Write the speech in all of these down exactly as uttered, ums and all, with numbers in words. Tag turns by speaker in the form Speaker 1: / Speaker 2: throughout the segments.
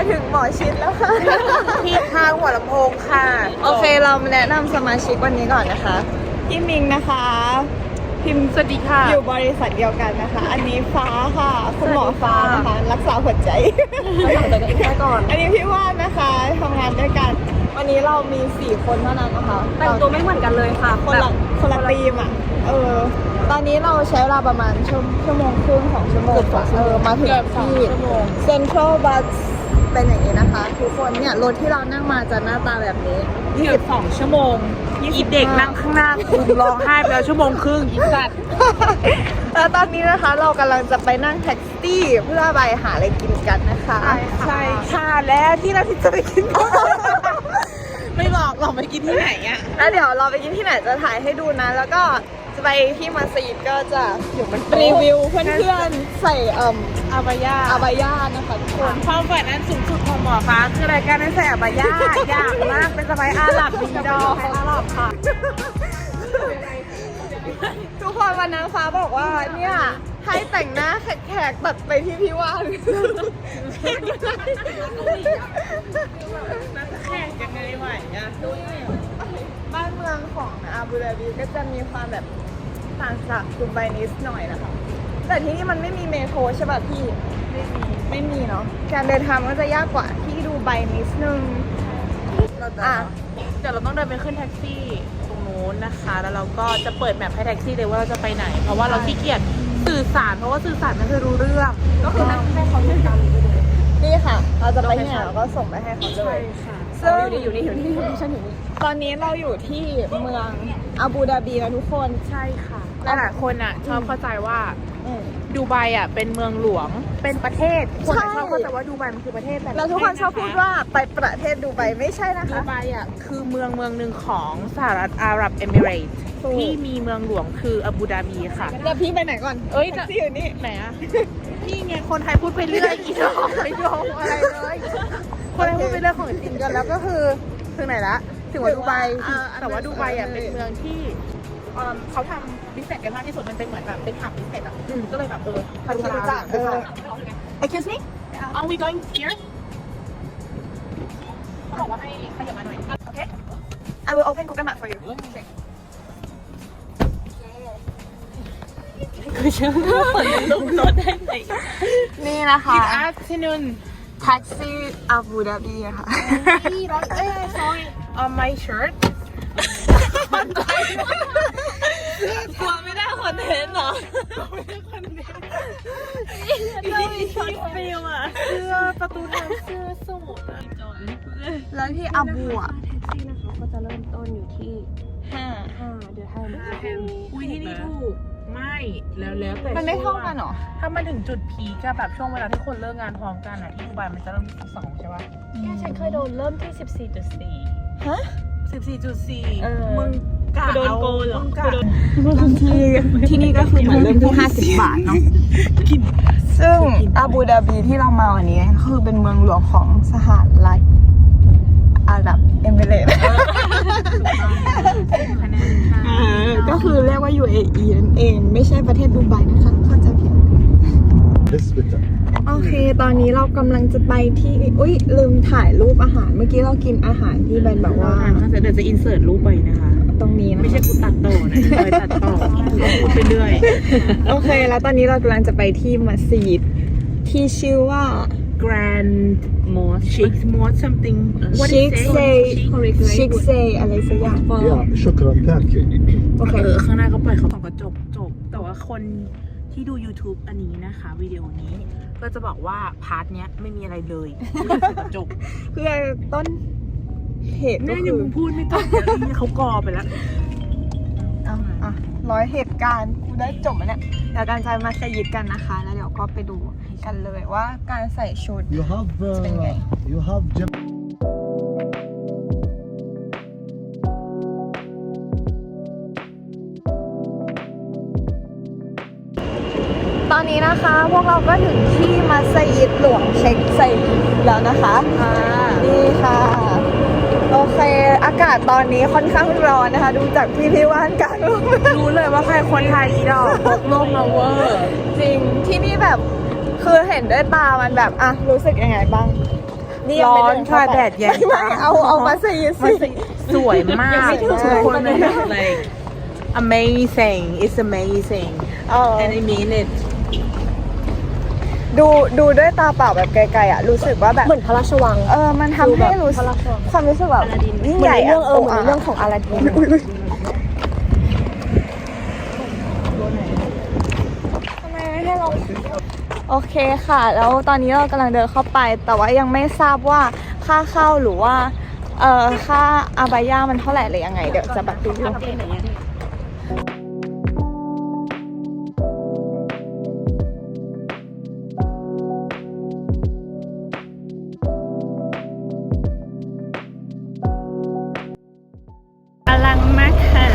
Speaker 1: ถึงหมอชิดแล้วค่ะ
Speaker 2: ที่ทางหัวลำโพงค่ะ
Speaker 1: โอเคเรามาแนะนำสมาชิกวันนี้ก่อนนะคะพี่มิงนะคะพิมพ์สวัสดีค่ะอยู่บริษัทเดียวกันนะคะอันนี้ฟ้าค่ะคุณหมอฟ้านะคะรักษาหัวใจแต่ก็แค่ก่อนอันนี้พี่ว่านนะคะทำงานด้วยกันวันนี้เรามีสี่คนเท่านั้นนะคะ
Speaker 2: แต่งตัวไม่เหมือนกันเลยค่ะ
Speaker 1: คนละคนละทีมอ่ะเออตอนนี้เราใช้เวลาประมาณชั่วชั่วโมงครึ่งสองชั่วโมงเออมาถึงที่เซ็นทรัลบัสเป็นอย่างนี้นะคะทุกคนเนี่ยรถที่เรานั่งมาจะหน้าตาแบบนี้
Speaker 2: ยี่สิบสองชั่วโมงอีเด็กนั่งข้างหน้าคุมร้องไห้ไปแล้วชั่วโมงครึ่งอีสัตว์
Speaker 1: แล้วตอนนี้นะคะเรากำลังจะไปนั่งแท็กซี่เพื่อไปหาอะไรกินกันนะคะ
Speaker 2: ใช่ค่ะแล้วที่เราที่จะไปกินไม่บอกเราไปกินที่ไหนอ่ะ
Speaker 1: แล้วเดี๋ยวเราไปกินที่ไหนจะถ่ายให้ดูนะแล้วก็จะไปที่มัสยิดก็จะรีวิวเพื่อนๆใส่เอ่ม
Speaker 2: อาบายา
Speaker 1: อาบายานะคะทุกคน
Speaker 2: ความฝันนั้นสูงสุดของหมอฟ้าคือรายการได้ใส่อาบายาอยากมากเป็นสบายอาหลับดีดออาหลับค่ะ
Speaker 1: ทุกคนวันนั้นฟ้าบอกว่าเนี่ยให้แต่งหน้าแขกๆตัดไปที่พี่ว่าน
Speaker 2: แขกยังไงไหวอ่ะ
Speaker 1: บ้านเมืองของอาบูดาบีก็จะมีความแบบต่างจากดูไบนิดหน่อยนะคะแต่ที่นี่มันไม่มีเมโทรใช่ป่ะพี่ไม่มีไม่มีเนาะการเดินทางก็จะยากกว่าที่ดูไบนิดนึง
Speaker 2: อ่ะเดี๋ยวเราต้องเดินไปขึ้นแท็กซี่ตรงนู้นนะคะแล้วเราก็จะเปิดแมพให้แท็กซี่เลยว่าเราจะไปไหนเพราะว่าเราขี้เกียจสื่อสารเพราะว่าสื่อสารไม่เคยรู้เรื่องก็คือนั่งให้เขาจัดการ
Speaker 1: นี่ค่ะเราจะไปที่ไหนเราก็ส่งไปให้เขาเลย
Speaker 2: ซึ่งอยู่นี่อยู่นี่อยู่นี่ฉันอยู่นี่
Speaker 1: ตอนนี้เราอยู่ที่เมืองอาบูดาบีแล้วทุกคน
Speaker 2: ใช่ค่ะหลายคนอ่ะชอบเข้าใจว่าดูไบอ่ะเป็นเมืองหลวงเป็นประเทศคนชอบเข้าใจว่าดูไบมันคือประเทศแต่
Speaker 1: แล้วทุกคนชอบพูดว่าไปประเทศดูไบไม่ใช่นะคะ
Speaker 2: ดูไบอ่ะคือเมืองเมืองหนึ่งของสหรัฐอาหรับเอมิเรตส์ที่มีเมืองหลวงคืออาบูดาบีค่ะ
Speaker 1: แล้วพี่ไปไหนก่อน
Speaker 2: เอ้ย
Speaker 1: ที่อยู่นี่
Speaker 2: ไหนอ่ะพี่ไงคนไทยพูดไปเรื่อยอีกแล้วไม่ยอมอะไรเลยคนไทยพูดไปเรื่องของจริงกันแล้วก็คือถึงไหนละถึงว่าดูไบแต่ว่าดูไบอ่ะเป็นเมืองที่เขาทำบิสเนสกันมากที่สุดมันเป็นเหมือนแบบเป็นผับบิสเนสอ่ะก็เลยแบบเออพัฒนาจากเออ
Speaker 1: Excuse me
Speaker 2: Are we going here เขาบอกว่าให้ขยับมาหน่อยโอเค
Speaker 1: I will open Google Map for you
Speaker 2: คือเชื่อว่าเปิดลงรถได้ไหม
Speaker 1: นี่นะคะ
Speaker 2: Good afternoon
Speaker 1: แท็กซี่อาบูดาบีค่ะ
Speaker 2: รถเอ้ย sorry on my shirt
Speaker 1: กลัวไม่ได้คอนเทนต์หรอ
Speaker 2: ไม่ได้คอนเทนต์เรามีช็อตฟิลอะเสื้อประตูทางเสื้อสูทอะจอย
Speaker 1: แล้วที่อาบูอะ
Speaker 3: แท็กซี่นะคะก็จะเริ่มต้นอยู่ที่
Speaker 1: ห้า
Speaker 3: ห้าเดือนห้า
Speaker 2: อุ้ยที่นี่ถูกไม่แล้วแล้วแต่
Speaker 1: มันไม่เท่ากันหรอ
Speaker 2: ถ้ามันถึงจุดพีคแบบช่วงเวลาที่คนเลิกงานพร้อมกันอะที่ดูไบมันจะเริ่มที่สองใช่ป่ะ
Speaker 3: เนี่ยฉันเคยโดนเริ่มที่สิบสี่จุดสี่
Speaker 1: ฮะ
Speaker 2: สิบสี่จุดสี่มึงกะ
Speaker 3: โดนโกนเหรอ
Speaker 1: ที่ที่นี่ก็คือเหมือนเริ่มที่ห้าสิบบาทเนาะซึ่งอาบูดาบีที่เรามาวันนี้คือเป็นเมืองหลวงของสหรัฐอาหรับเอมิเรตส์ก็คือเรียกว่า ยู เอ อี นั่นเองไม่ใช่ประเทศดูไบนะคะเข้าใจผิดโอเคตอนนี้เรากำลังจะไปที่อุ้ยลืมถ่ายรูปอาหารเมื่อกี้เรากินอาหารที่เป็นแบบว่า
Speaker 2: เดี๋ยวจะอินเสิร์ตรูปไปนะคะ
Speaker 1: ตรงนี้นะ
Speaker 2: ไม่ใช่กูตัดต่อนะเลยตัดต่อพูดไปเรื่อย
Speaker 1: โอเคแล้วตอนนี้เรากำลังจะไปที่มัสยิดที่ชื่อว่า
Speaker 2: Grand Mosque Sheikh Mosque something
Speaker 1: Sheikh Say Sheikh Say อะไรสักอย่าง
Speaker 4: شكرا thank you
Speaker 1: โอเค
Speaker 2: เออข้างหน้าก็ปล่อยเขาส่องกระจกจบแต่ว่าคนที่ดู YouTube อันนี้นะคะวิดีโอนี้ก็จะบอกว่าพาร์ทเนี้ยไม่มีอะไรเลยจบ
Speaker 1: คือต้นเหตุ
Speaker 2: ก็คือพูดไม่ต้องเขากอไปแล้ว
Speaker 1: อ่ะอ่ะร้อยเหตุการณ์กูได้จบแล้วเนี่ยเดี๋ยวการจะมาสยิดกันนะคะแล้วเดี๋ยวก็ไปดูกันเลยว่าการใส่ชุดเป็นไง
Speaker 4: you have
Speaker 1: ตอนนี้นะคะพวกเราก็ถึงที่มัสยิดหลวงเช็คไซแล้วนะคะนี่ค่ะโอเคอากาศตอนนี้ค่อนข้างร้อนนะคะดูจากพี่พี่ว่านกัน
Speaker 2: รู้เลยว่าใครคนไทยอีดอกพกโลกมาเวอร์
Speaker 1: จริงที่นี่แบบคือเห็นด้วยตามันแบบอ่ะรู้สึกยังไงบ้างนี่ยัง
Speaker 2: ร้
Speaker 1: ไม่
Speaker 2: อ
Speaker 1: เดิ
Speaker 2: น
Speaker 1: นเข้า
Speaker 2: ค่ะ
Speaker 1: ไป
Speaker 2: แดดแยง
Speaker 1: ไม่ไม่เอาเอามาซีสิ
Speaker 2: สวยมาก
Speaker 1: ยังไม่ถึง
Speaker 2: ทุกคนเลย like amazing it's amazing
Speaker 1: เออ
Speaker 2: and I mean it
Speaker 1: ดูดูด้วยตาเปล่าแบบไกลๆอ่ะรู้สึกว่าแบบ
Speaker 3: เหมือนพระราชวัง
Speaker 1: เออมันทำให้รู้สึก
Speaker 3: พระราชวัง
Speaker 1: ความรู้สึกแบบยิ่ง
Speaker 3: เหมื
Speaker 1: ให
Speaker 3: อน
Speaker 1: ญ่
Speaker 3: ในเรื่องเออเหมือนในเรื่อง
Speaker 1: ข
Speaker 3: ของอาลาดิน
Speaker 1: ทำไมไม่ให้เราโอเคค่ะ แล้วตอนนี้เรากำลังเดินเข้าไป แต่ว่ายังไม่ทราบว่าค่าเข้าหรือว่าเอ่อค่าอาบายามันเท่าไหร่หรือยังไงเดี๋ยวจะแบบดู
Speaker 3: อลังมากค่ะ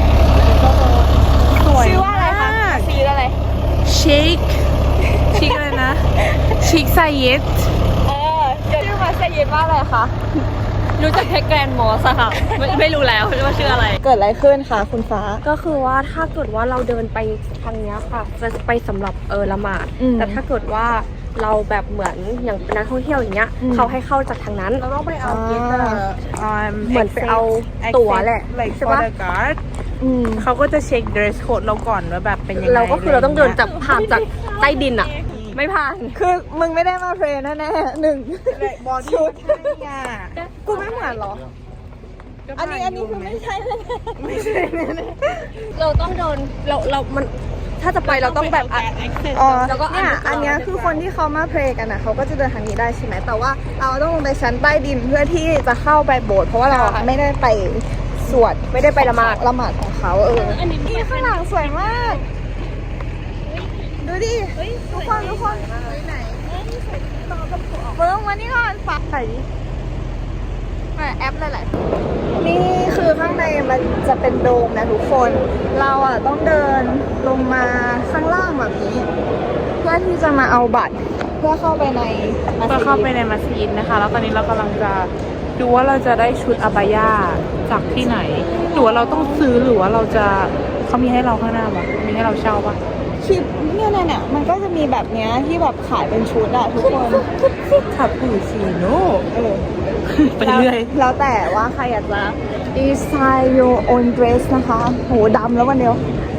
Speaker 2: สวย
Speaker 1: ชื่อว่าอะไรคะ
Speaker 2: มาก
Speaker 1: ซีดอะไร
Speaker 2: ชิคชิคอะไรนะ ชิคไซเยต
Speaker 1: เออชื่อมัสยิดว่าอะไรคะ
Speaker 3: รู้จักแค่แกรนด์มอสค่ะ ไม่ไม่รู้แล้วว่าชื่ออะไร
Speaker 1: เกิดอะไรขึ้นคะคุณฟ้า
Speaker 3: ก็คือว่าถ้าเกิดว่าเราเดินไปทางเนี้ยค่ะ จะไปสำหรับเออละหมาด
Speaker 1: อืม
Speaker 3: แต่ถ้าเกิดว่าเราแบบเหมือนอย่างเป็นนักท่องเที่ยวอย่างเงี้ย
Speaker 1: อืม
Speaker 3: เขาให้เข้าจากทางนั้น
Speaker 2: เราต้องไปเอาเกต
Speaker 3: เหมือนไปเอาตั๋วแหละใช่
Speaker 2: ใช่
Speaker 3: ปะ
Speaker 2: ปะการ์ด
Speaker 1: อืม
Speaker 2: เขาก็จะเช็ค dress code เราก่อนว่าแบบเป็นยังไง
Speaker 3: เราก็คือเราต้องเดินจากผ่านจากใต้ดินอะไม่ผ่าน
Speaker 1: คือมึงไม่ได้มาเพลนแน่ๆหนึ่ง
Speaker 2: บอดี้ใช่อ่ะ
Speaker 1: กูไม่เหมือนเหรอ อันนี้อันนี้คือไม่ใช่แน่
Speaker 2: ไม่ใช่แน่
Speaker 3: เราต้องเดินเราเรามันถ้าจะไปเราต้องแบบอ่ะ
Speaker 1: ๆอ๋อ
Speaker 3: แล้วก็อัน
Speaker 1: เนี่ย
Speaker 3: นี้
Speaker 1: อันเนี้ยคือคนที่เขามาเพลกันนะเขาก็จะเดินทางนี้ได้ใช่ไหมแต่ว่าเราต้องลงไปชั้นใต้ดินเพื่อที่จะเข้าไปโบสถ์เพราะว่าเราไม่ได้ไปสวด
Speaker 3: ไม่ได้ไปละหมาด
Speaker 1: ละหมาดของเขาเออนี่ข้างหลังสวยมาก ดูดิทุกคนทุกคนไหนเบิ้งมานี่ก่อนฝากใส่ดิมาแอปหลายๆนี่คือข้างในมันจะเป็นโดมนะทุกคน เราอ่ะต้องเดินลงมาข้างล่างแบบนี้ เพื่อที่จะมาเอาบัตร เพื่อเข้าไปในมัส
Speaker 2: ก็
Speaker 1: ยิด
Speaker 2: เข้าไปในมัสยิดนะคะ แล้วตอนนี้เรากำลังจะดูว่าเราจะได้ชุดอาบายาจากที่ไหน หรือว่าเราต้องซื้อหรือว่าเราจะเขามีให้เราข้างหน้าปะมีให้เราเช่าปะ
Speaker 1: คลิปเนี่ยเนี่ยเนี่ยมันก็จะมีแบบเนี้ยที่แบบขายเป็นชุดอะทุกคน
Speaker 2: คาปูชิโน่
Speaker 1: เออ
Speaker 2: ไปเรื่อย
Speaker 1: แล้วแล้วแต่ว่าใครอยากจะ design your own dress นะคะ โหดำแล้ววันเดียว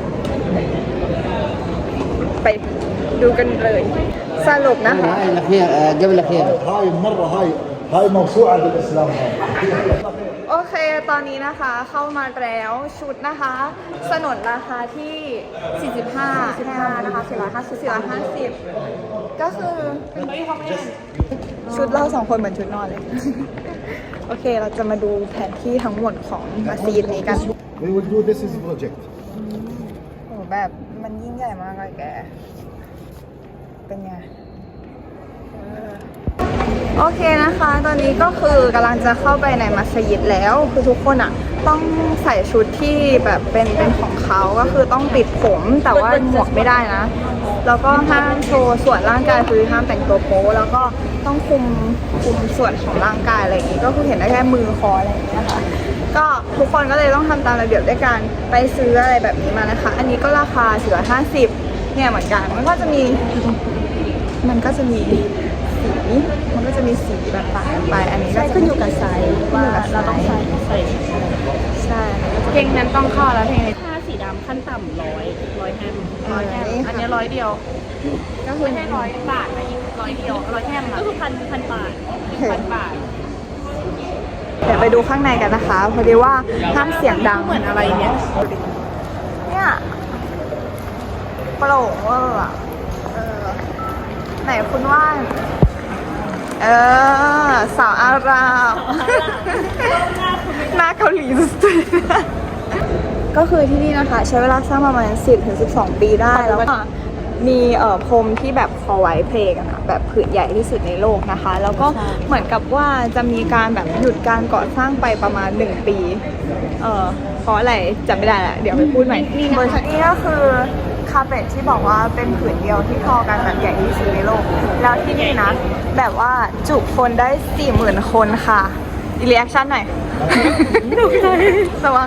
Speaker 1: ไปดูกันเลย สรุปนะคะ
Speaker 5: هاي الأخير آه، قبل الأخير
Speaker 4: هاي المرة هاي هاي موسوعة بالإسلام هاي
Speaker 1: โอเค ตอนนี้นะคะเข้ามาแล้วชุดนะคะ สนนราคาที่ สี่สิบห้า สี่สิบห้านะคะ สี่ร้อยห้าสิบ สี่ร้อยห้าสิบ ก็คือชุดเราสองคนเหมือนชุดนอนเลย โอเค เราจะมาดูแผนที่ทั้งหมดของมัสยิดนี้กัน
Speaker 4: We will do this as a project
Speaker 1: โอ้แบบมันยิ่งใหญ่มากเลยแก เป็นไง โอเคนะคะ ตอนนี้ก็คือกำลังจะเข้าไปในมัสยิดแล้ว คือทุกคนอ่ะต้องใส่ชุดที่แบบเป็นเป็นของเขาก็คือต้องปิดผม แต่ว่าหมวกไม่ได้นะ แล้วก็ห้ามโชว์ส่วนร่างกายคือห้ามแต่งตัวโป๊แล้วก็ต้องคุมคุมส่วนของร่างกายอะไรอย่างนี้ ก็คือเห็นได้แค่มือคออะไรอย่างนี้นะคะ ก็ทุกคนก็เลยต้องทำตามระเบียบด้วยการไปซื้ออะไรแบบนี้มานะคะ อันนี้ก็ราคาสี่ร้อยห้าสิบเนี่ยเหมือนกัน มันก็จะมี มันก็จะมีสี มันก็จะมีสีแบบต่างกันไป อันนี้ก็จะขึ้นอยู่กับไซส์ว่าเราต้องใส่ใส่ใช่
Speaker 2: เพลงนั้นต้องเข้าแล้วเพลงนี้
Speaker 3: ผ้าสีดำขั้นต่ำร้อยร้อยแฮม
Speaker 1: ร้อยแฮม
Speaker 2: อันนี้ร้อยเดียว
Speaker 1: ก็คือ
Speaker 2: ไม่ใช่ร้อยบาทนะอีกร้อยเดียวร้อยแค่
Speaker 3: ก็คือพันพันบาท
Speaker 2: พันบาท
Speaker 1: เดี๋ยวไปดูข้างในกันนะคะ พอดีว่าห้ามเสียงดัง
Speaker 2: เหมือนอะไรเนี่ย
Speaker 1: เนี่ยโปร่งเวอร์อะเออ ไหนคุณว่านเออ สาวอาหรับ หน้าเกาหลีสุดๆก็คือที่นี่นะคะ ใช้เวลาสร้างประมาณ สิบถึงสิบสอง ปีได้แล้วก็มีเอ่อพรมที่แบบคอไว้เพลกันอะแบบผืนใหญ่ที่สุดในโลกนะคะ แล้วก็เหมือนกับว่าจะมีการแบบหยุดการก่อสร้างไปประมาณ หนึ่ง ปี เออเพราะอะไรจำไม่ได้ละเดี๋ยวไปพูดใหม่บนชั้นนี้ก็คือคาเฟ่ที่บอกว่าเป็นผืนเดียวที่ทอกันแบบใหญ่ที่สุดในโลก แล้วที่นี่นะ แบบว่าจุคนได้ สี่หมื่น คนค่ะอีรีแอคชั่นหน่อย ระวัง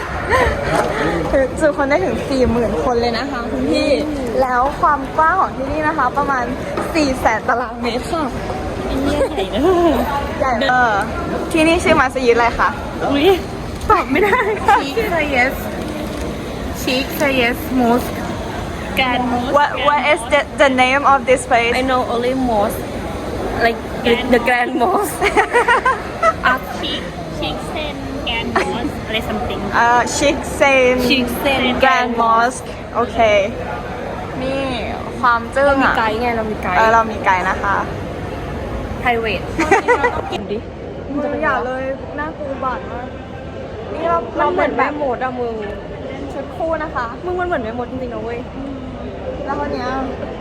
Speaker 1: จุคนได้ถึง สี่หมื่น คนเลยนะคะคุณพี่ แล้วความกว้างของที่นี่นะคะ ประมาณ สี่แสน ตารางเมตรค่ะใหญ่เออที่นี่ชื่อมัสยิดอะไรคะ
Speaker 3: อุ้ยตอบไม่ได้ค่ะ
Speaker 2: Sheikh Zayed Sheikh Zayed Mosque
Speaker 3: การ mosque
Speaker 1: What What is the the name of this place
Speaker 3: I know only mosque like the, the grand mosque
Speaker 5: อัพชิคชิคเซนแกนมอสอะไร something
Speaker 1: เอ่อ Sheikh Zaid
Speaker 3: Sheikh Zaid
Speaker 1: Grand Mosque โอเค นี่ความจึ้ง
Speaker 3: เรามี
Speaker 1: อ่ะ
Speaker 3: ไกด์ไงเรามีไกด์
Speaker 1: เออเรามีไกด์นะคะ
Speaker 3: private กินดิ
Speaker 1: มึงอย่าเลยน่ากลัวบาดมากนี่เรา
Speaker 3: มั
Speaker 1: เรา
Speaker 3: นเห
Speaker 1: เห
Speaker 3: มื
Speaker 1: มื
Speaker 3: อ
Speaker 1: อน น
Speaker 3: แม่
Speaker 1: แบบ
Speaker 3: มดอะมึง
Speaker 1: ชุดคู่นะคะ
Speaker 3: มึงมันเหมือนแม่มดจริงๆนะเว้ย
Speaker 1: แล้วคนเนี้ย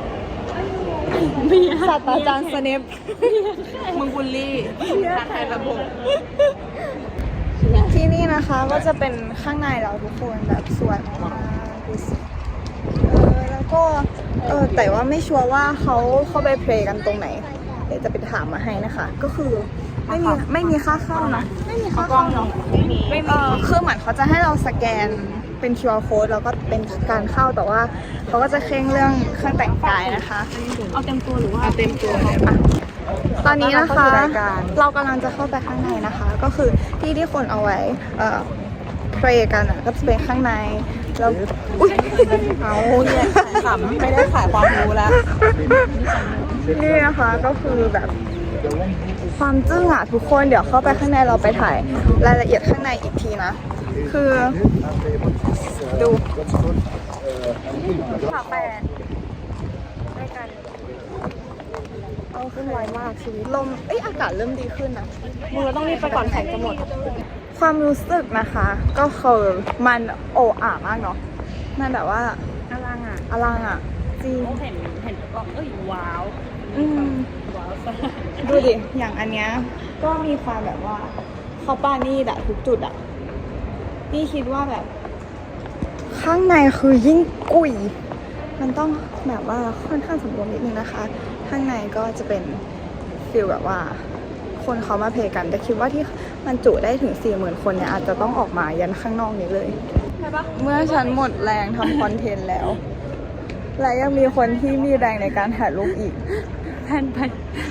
Speaker 1: ศาสตราจารย์สเนป
Speaker 2: มึงบุลลี่ทางไทยระบบ
Speaker 1: ที่นี่นะคะก็จะเป็นข้างในเราทุกคนแบบสวยมากดูสิเออแล้วก็เออแต่ว่าไม่ชัวร์ว่าเขาเข้าไปเพลย์กันตรงไหนเดี๋ยวจะไปถามมาให้นะคะ ก็คือไม่มีไม่มีค่าเข้าเนอะไม่มีค่าเข้าเนอะไม่มีคือเหมือนเขาจะให้เราสแกนเป็น คิว อาร์ code แล้วก็เป็นการเข้าแต่ว่าเขาก็จะเคร่งเรื่องเครื่องแต่งกายนะคะ
Speaker 3: เอาเต็มตัวหรือว่า
Speaker 2: เอาเต็มตัวเลย
Speaker 1: ตอนนี้นะคะ
Speaker 2: เข้าสู่รายการ
Speaker 1: เรากำลังจะเข้าไปข้างในนะคะ ก็คือที่ที่คนเอาไว้เอ่อ pray กันอ่ะก็จะเป็นข้างในแล้วอุ้ย
Speaker 2: เอาเนี่ยขำไม่ได้ขายความรู้แล้ว
Speaker 1: นี่นะคะก็คือแบบความจึ้งอ่ะทุกคนเดี๋ยวเข้าไปข้างในเราไปถ่ายรายละเอียดข้างในอีกทีนะ คือดูฝาแปดด้วยกันเอาขึ้นไวมากชีวิตลมเอ้ยอากาศเริ่มดีขึ้นนะ
Speaker 3: มึงเราต้องรีบไปก่อนแข่งจะหมด
Speaker 1: ความรู้สึกนะคะ ก็คือมันโอ้อ่ามากเนาะมันแบบว่า
Speaker 3: อลังอ่ะ
Speaker 1: อลังอ่ะจริง
Speaker 3: เห็นเห็นก็เอ้ยว้าว
Speaker 1: อืม
Speaker 3: ว้าวซะ
Speaker 1: ดูดิ อย่างอันเนี้ยก็มีความแบบว่าเขาป้านี่อะทุกจุดอะพี่คิดว่าแบบ ข้างในคือยิ่งกุย มันต้องแบบว่าค่อนข้างสมบูรณ์นิดนึงนะคะ ข้างในก็จะเป็นฟิลแบบว่า คนเขามาเพลย์กัน แต่คิดว่าที่มันจุได้ถึงสี่หมื่นคนเนี่ยอาจจะต้องออกมายันข้างนอกนี้เลย เมื่อฉันหมดแรงทำคอนเทนต์แล้ว และยังมีคนที่มีแรงในการถ่ายรูปอีก
Speaker 3: แพนไป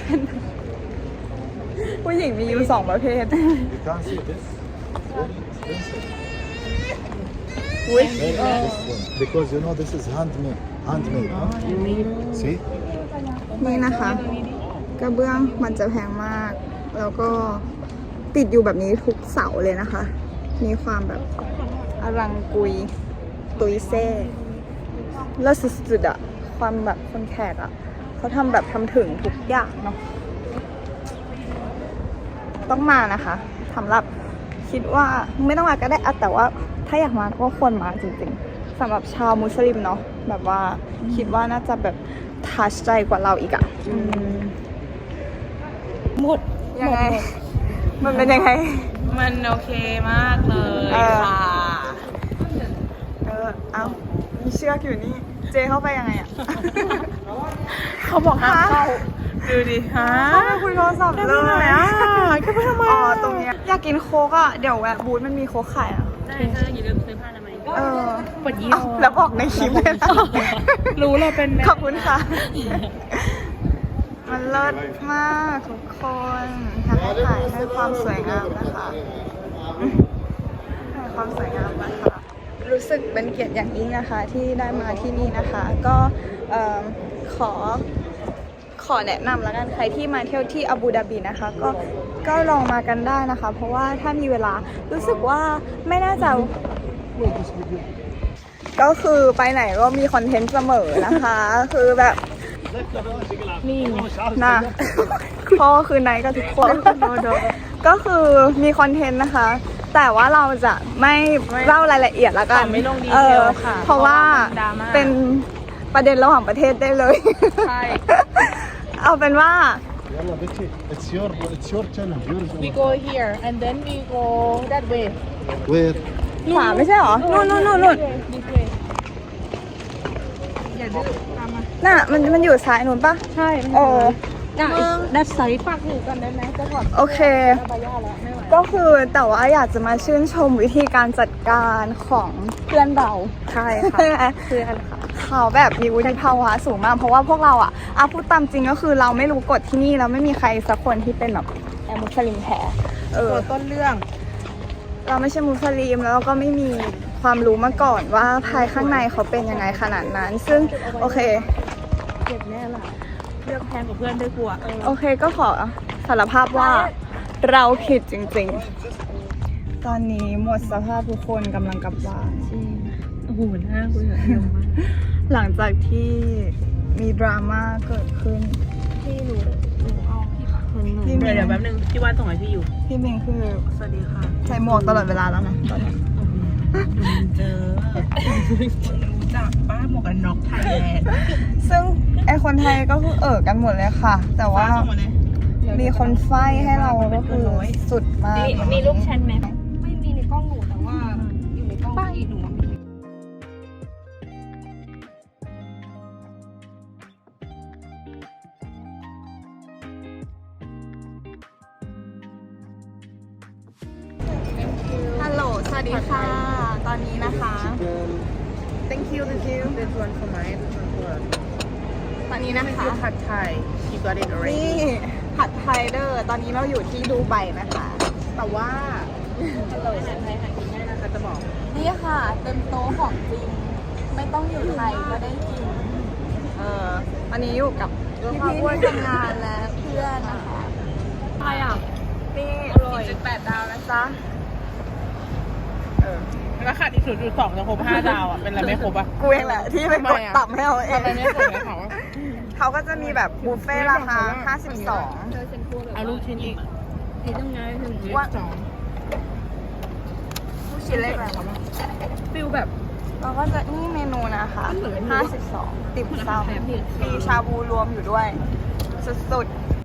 Speaker 1: ผู้หญิงมีอยู่สองประเภท
Speaker 4: You can see this. Very expensive.
Speaker 1: อุ้ย
Speaker 4: Very expensive. Because you know this is handmade. Handmade. Huh? See?
Speaker 1: นี่นะคะ กระเบื้องมันจะแพงมาก แล้วก็ติดอยู่แบบนี้ทุกเสาเลยนะคะ มีความแบบอลังกุย ตุยเซ่แล้วสุดๆอะความแบบคนแขกอะเขาทำแบบทำถึงทุกอย่างเนาะต้องมานะคะสำหรับคิดว่าไม่ต้องมาก็ได้อะแต่ว่าถ้าอยากมาก็ควรมาจริงๆสำหรับชาวมุสลิมเนาะแบบว่าคิดว่าน่าจะแบบทัชใจกว่าเราอีกอะอืม
Speaker 3: หมด
Speaker 1: ยังไง มันเป็นยังไง
Speaker 2: มันโอเคมากเลย
Speaker 1: เออ
Speaker 2: ค่ะ
Speaker 1: เออ เอามีเชือกอยู่นี่ เจเข้าไปยังไงอะ
Speaker 2: เขาบอกห้ามเข้าดูดิฮะ
Speaker 1: เข้าไปคุยโทรศัพท์
Speaker 2: จะ
Speaker 1: เล
Speaker 2: ไปไหน
Speaker 1: ย
Speaker 2: อ่ะจะไปทำไม
Speaker 1: อ๋อ ตรงเนี้ยอยากกินโค้กอะเดี๋ยวแวะบูธมันมีโค้กขายอะ
Speaker 5: ได้เธออย่าลืมซื้อผ้าทำไมย
Speaker 1: เออ
Speaker 2: ปวดยี่
Speaker 1: เอาแล้วบอกในคลิปเลยนะ
Speaker 2: รู้เลยเป็นแม่
Speaker 1: ขอบคุณค่ะ มันเลิศมากทุกคนทำให้ถ่ายให้ความสวยงามนะคะให้ความสวยงามนะคะ รู้สึกเป็นเกียรติอย่างยิ่งนะคะที่ได้มาที่นี่นะคะ ก็เอิ่มขอขอแนะนำแล้วกันใครที่มาเที่ยวที่อาบูดาบีนะคะ ก็ก็ลองมากันได้นะคะ เพราะว่าถ้ามีเวลารู้สึกว่าไม่น่าจะ ก็คือไปไหนก็มีคอนเทนต์เสมอนะคะ คือแบบนี่นะพ่อคือไหนกับทุกคนก็คือมีคอนเทนต์นะคะ แต่ว่าเราจะไม่เล่ารายละเอียดละกัน
Speaker 2: ไม่ลงดี
Speaker 1: เอ
Speaker 2: เท
Speaker 1: อ
Speaker 2: ลค่ะ
Speaker 1: เพราะว่า
Speaker 2: ดราม่า
Speaker 1: เป็นประเด็นระหว่างประเทศได้เลย
Speaker 2: ใช่
Speaker 1: เอาเป็นว่า
Speaker 4: Yalla, Betty. It's your it's your challenge. Yours.
Speaker 2: we go here and then we go that way
Speaker 4: Where?
Speaker 1: ขวาไม่ใช่หรอ นู่นนู่นนู่นนู่น
Speaker 2: this way อย่าดื้อตามมา
Speaker 1: น่ะมันมันอยู่ซ้ายนู่นปะ
Speaker 2: ใช่
Speaker 1: โอ้
Speaker 3: ได้ดัดไซส์
Speaker 2: ฝากหนูกันได้ไหมจะถอด
Speaker 1: โอเค
Speaker 2: บายาแล้วไม่ไหว
Speaker 1: ก็คือแต่ว่าอยากจะมาชื่นชมวิธีการจัดการของเพื่อนเรา
Speaker 3: ใช่ค่ะ
Speaker 1: ใช่ไหม
Speaker 3: เพื่อนค่ะ
Speaker 1: เขเขาแบบมีวุฒิภาวะสูงมากเพราะว่าพวกเราอ่ะอาพูดตามจริงก็คือเราไม่รู้กฎที่นี่แล้วไม่มีใครสักคนที่เป็นแบบแอมุสลิมแท้เออ
Speaker 2: ตัวต้นเรื่อง
Speaker 1: เราไม่ใช่มุสลิมแล้วเราก็ไม่มีความรู้มาก่อนว่าภายข้างในเขาเป็นยังไงขนาดนั้น ซึ่งโอเค
Speaker 2: เก็บแน่ล่ะเลือกแพงกว่าเพื่อนด้วยกลัว
Speaker 1: โอเคก็ขอสารภาพว่าเราผิดจริงๆ ตอนนี้หมดสภาพทุกคนกำลังกลับบ้าน
Speaker 3: โอ้โหหน้าคุณแบบเยอะมาก
Speaker 1: หลังจากที่มีดราม่าเกิดขึ้น
Speaker 3: พี่หนูหนูเอาพี่ปักคนหนึ่ง
Speaker 1: พี่
Speaker 2: เดี๋
Speaker 1: มิ
Speaker 2: ยว
Speaker 1: ง
Speaker 2: เดี๋ยวแป๊บนึงพี่ว่านส่งให้พี่อยู่
Speaker 1: พี่มิงคือ
Speaker 2: สวัสดีค่ะ
Speaker 1: ใส่หมวกตลอดเวลาแล้วนะตอนนี้
Speaker 2: เจอรู้จักป้าหมวกกันน็อกไทยแลนด์
Speaker 1: ซึ่งไอคนไทยก็คือเอ่อกันหมดเลยค่ะ แต่ว่า
Speaker 2: ส่งมาเลย
Speaker 1: มีคนไฟให้เราก็คือสุดมาก
Speaker 5: มีมีรูปฉันไหม
Speaker 3: ไม่มีในกล้องหนูแต่ว่าอยู่ในกล้องพี่หนูมี
Speaker 1: ฮัลโหล สวัสดีค่ะ ตอนนี้นะคะ thank you thank you
Speaker 2: เป็นส่วนสมัยเป็นส่วนตัว
Speaker 1: ตอนนี้นะ
Speaker 2: นี่
Speaker 1: คะ
Speaker 2: คือผัดไทย you got it
Speaker 1: นี่
Speaker 2: already
Speaker 1: ผัดไทยเดอร์ตอนนี้เราอยู่ที่ดูไบนะคะ
Speaker 2: แต่ว่าฮัลโหลอาหารไทยหากินง่ายนะคะจะบอก
Speaker 1: นี่ค่ะเต็มโต๊ะของจริง ไม่ต้องอยู่ไทยก็ได้กิน เออวันนี้อยู่กับพี่พี่ที่ทำงานและเพื่อนนะคะ
Speaker 3: อะไรอ่ะ
Speaker 1: นี่
Speaker 2: อร่อย
Speaker 1: จุดแปดดาวนะจ๊ะ เออ
Speaker 2: แล้วขาดอีกศูนย์จุดสองจะครบห้าดาวอ่ะ เป็นอะไรไม่ครบอ่ะ
Speaker 1: กูเองแหละที่ไปกดต่ำให้เราเอง
Speaker 2: ทำไมไม่ครบเลยเขาอะ
Speaker 1: เขาก็จะมีแบบบุฟเฟ่ต์ราคาห้าสิบสอง
Speaker 2: เอาลูกชิ้นอีก
Speaker 3: พี่ต้องไงถึง
Speaker 2: ว่าสอง
Speaker 1: ผู้ชิ้นเล็กอะไรคะ
Speaker 3: ฟิลแบบ
Speaker 1: เราก็จะนี่เมนูนะคะ ห้าสิบสอง ติ่มซำมีชาบูรวมอยู่ด้วย สุดๆ